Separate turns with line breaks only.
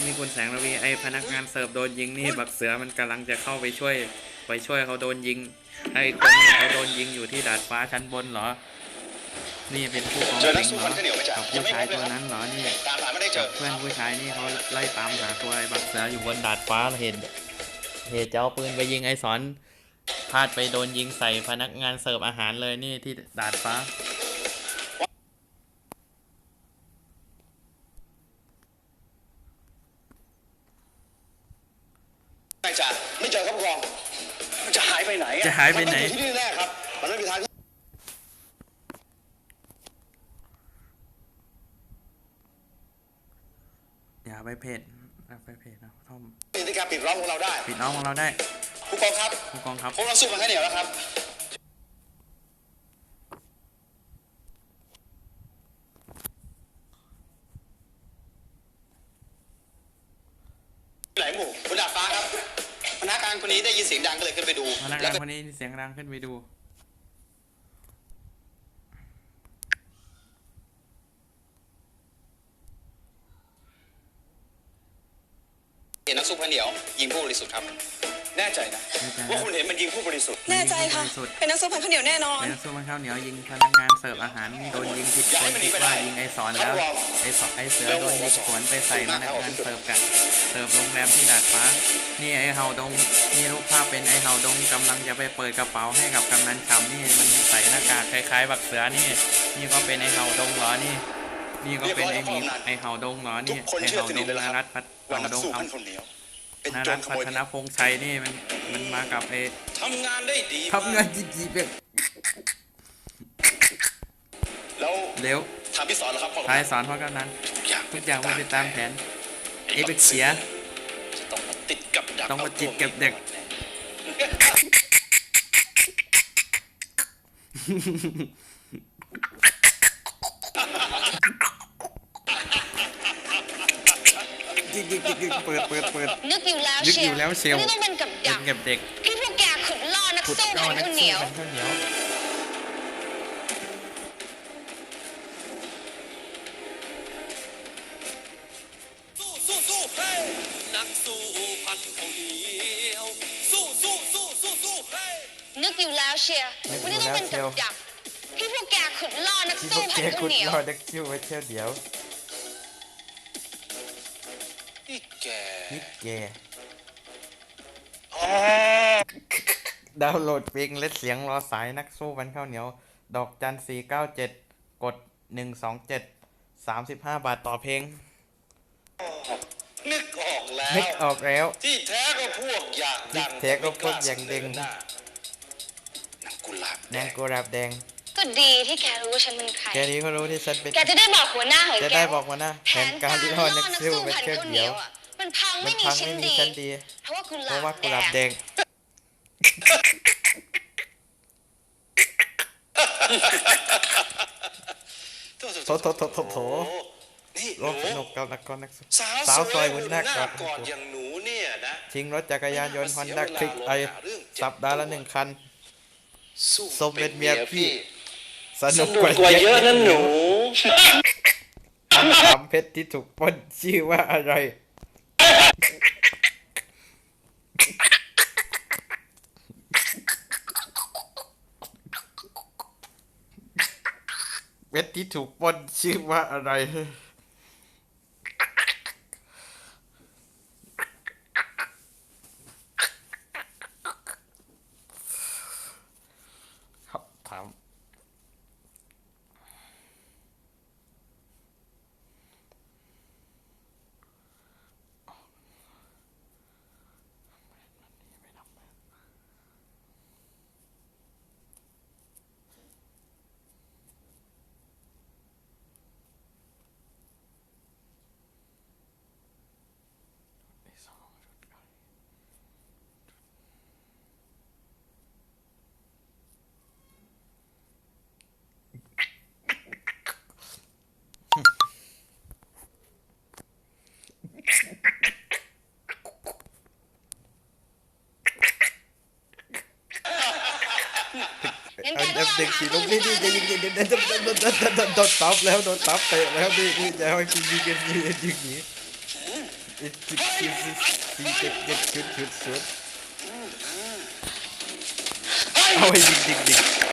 นี่คุณแสงระวีไอพนักงานเสิร์ฟโดนยิงนี่บักเสือมันกำลังจะเข้าไปช่วยเขาโดนยิงไอคนเขาโดนยิงอยู่ที่ดาดฟ้าชั้นบนเหรอนี่เป็นผู้กองสิงเหรอกับผู้ชายตัวนั้นเหรอนี่กับเพื่อนผู้ชายนี่เขาไล่ตามหาตัวไอ้บักเสืออยู่บนดาดฟ้าเหตุจะเอาปืนไปยิงไอ้สอนพลาดไปโดนยิงใส่พนักงานเสิร์ฟอาหารเลยนี่ที่ดาดฟ้า
ไม่เจอครับผู้กองมันจะหายไปไหน
จะหายไปไหน
ที่นี่แน่ครับมันไม่มีทาง
อย่าไปเพจนะท่อม
ที่การปิดล้อมของเราได้
ปิดล้อมของเราได้
ผู้กองครับพวกเราสู้มันแค่เหนียวแล้วครับไหนหมู่บนดาดฟ้าครับพนักงานคนนี้ได้ยินเสียงดังก็เลยขึ้นไปดู
พนักงานคนนี้เสียงดังขึ้นไปดู
เห็นนักสู้พระเหนียวยิงผู้บริสุทธิ์ครับแน่ใจนะว่าคุณเห็นมันยิงผู้บริสุทธิ์
แน่ใจค่ะเป็นนักสู้พันข้าวเหนียวแน่นอน
เป็นนักสู้พันข้าวเหนียวยิงพนักงานเสิร์ฟอาหารโดนยิงผิดคนคิดว่ายิงไอสอนแล้วไอเสือโดนยิงสวนไปใส่พนักงานเสิร์ฟโรงแรมที่ดาดฟ้านี่ไอเฮาดงนี่รูปภาพเป็นไอเฮาดงกำลังจะไปเปิดกระเป๋าให้กับกำนันฉ่ำนี่มันใส่หน้ากากคล้ายๆบักเสือนี่ก็เป็นไอเฮาดงเหรอนี่ก็เป็นไอเฮาดงเหรอนี่ไอเฮาดงนารัตพัฒน์เฮาดงเอานารัตพัฒนพงษ์ชัยนี่มันมากับไอ
ทำงานได้ดี
ทำงานจีเป็น
แล้ว
เร็ว
ทำพี่สอนเหรอครับ
ทายสอนเพราะกำนันทุกอย่างมันไปตามแผนไอเป็กเสีย
ต้องมาติดกับ
เด็กเปิด
นึกอยู่แล้วเชียวต้องเป็นกับดัก
เด็ก
ที่พวกแกขุดล่อนักสู้พันข้าวเหนียว
สู้เฮ้นักสู้พันข้าวเหนียวสู้เฮ้
นึกอยู่แล้วเชียววันนี้ต้องเป็นกับดักที่พวกแกขุดล่อนักสู้พันข้าวเหนียว
นักสู้ไว้เที่ยวเดียว
นี่แก
ดาวน์โหลดเพลงและเสียงรอสายนักสู้พันข้าวเหนียวดอกจัน497กด127 35 บาทต่อเพลง
นึกออกแล้วที่แท้ก็พวกอย่างดังนางกุหลา
บแดง
ก็ดีที่แกรู้ว่าฉันเป็นใคร
แกนี้เขารู้ที่ฉันเป็น
แกจะได้บอกหัวหน้าเหรอ
จะได้บอกหัวหน้าแผนการที่เรานักสู้เป็นแค่เดียว
มันพังไม่มีชั้นดีเพราะว่ากุหลาบแดง
โถ
นี่
รบสนุกกับนักสาวซอยบนหน้ากอด
อย่างหนูเนี่ยนะ
ชิงรถจักรยานยนต์ฮอนด้าคลิกไอสัปดาห์ละ1 คันสมเป็นเมียพี่สนุกกว่าเยอะนั่นหนูคำถามเพชรที่ถูกปล้นชื่อว่าอะไรเพชรที่ถูกปล้นชื่อว่าอะไรถามเด็กขี่ลงนี่จะยิงโดนตับแล้วโดนตับเตะแล้วนี่จะให้กินกันยิงนี้
เอาไปยิง